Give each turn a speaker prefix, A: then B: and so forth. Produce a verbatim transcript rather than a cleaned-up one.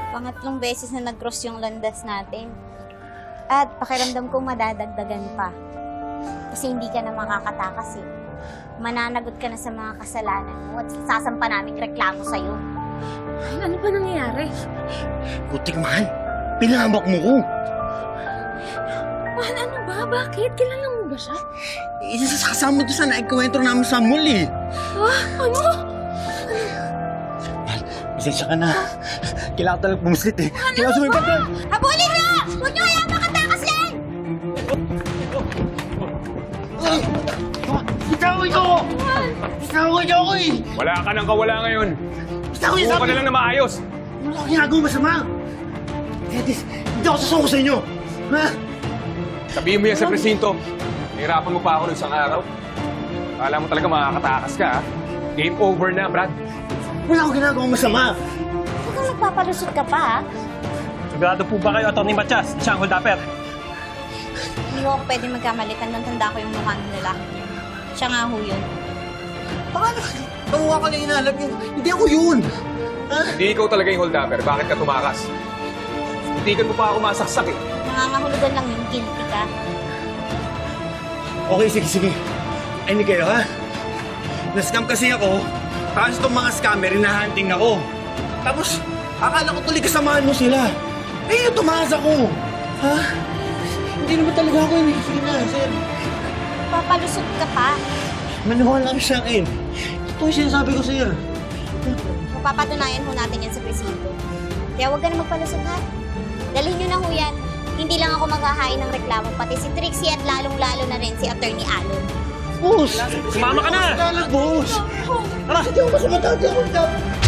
A: Pangatlong beses na nag-cross yung landas natin. At pakiramdam ko madadagdagan pa. Kasi hindi ka na makakatakas eh. Mananagot ka na sa mga kasalanan mo at sasampa namin reklamo sa'yo.
B: Ay, ano ba nangyayari?
C: Putik, mahal. Pinahamak mo ko.
B: Mahal, ano ba? Bakit? Kilala mo ba siya?
C: Isa sa kasama doon sa naikwentro namin sa mall eh.
B: Ah, ano?
C: Mahal, pasensya ka na. Kailangan ko talagang bumislit eh. Kailangan sumipat ka.
A: Habulin niyo! Huwag niyo kaya makatakas yan!
C: Bitawan ko! Bitawan niyo ako eh!
D: Wala ka nang kawala ngayon.
C: Bitawan niyo
D: Buo
C: sabi!
D: ka na lang na maayos.
C: Wala akong ginagawa masama! Edis, hindi ako sasuko sa inyo! Ha?
D: Sabihin mo yan sa presinto. Nahirapan mo pa ako ng isang araw. Akala mo talaga makakatakas ka, ha? Game over na, Brad.
C: Wala akong ginagawa masama!
A: Huwag kang magpapalusot ka pa, ha?
E: Sigurado po ba kayo, Atty. Matias? Siya ang hold-upper.
A: Hindi ko ako pwede magkamali. Tandang-tanda ko yung mukha ng lalaki. Siya nga ho yun.
C: Baka na, panguha ka na inalap yun. Hindi ako yun! Ha?
D: Hindi ikaw talaga yung hold-upper. Bakit ka tumakas? Hitigan mo pa ako masaksak, eh.
A: Nangangahulugan lang yung guilty ka.
C: Okay, sige, sige. Ay, hindi kayo, ha? Na-scam kasi ako, tapos itong mga scammer, hinahunting ako. Tapos, akala ko tuloy kasamahan mo sila. Eh, yung tumakas ako. Ha? Hindi naman talaga ako yun. Sige na, sir.
A: Papalusot ka pa.
C: Maniwala ka sa akin. Ito yung sinasabi ko, sir.
A: Mapapatunayan ho natin yan sa presinto. Kaya huwag ka na magpalusot, ha? Dalhin nyo na ho yan. Hindi lang ako maghahain ng reklamo, pati si Trixie at lalong-lalo na rin si Attorney Alon.
C: Boss!
E: Sumama ka na!
C: Boss! Tara! Hindi ako masama. Hindi ako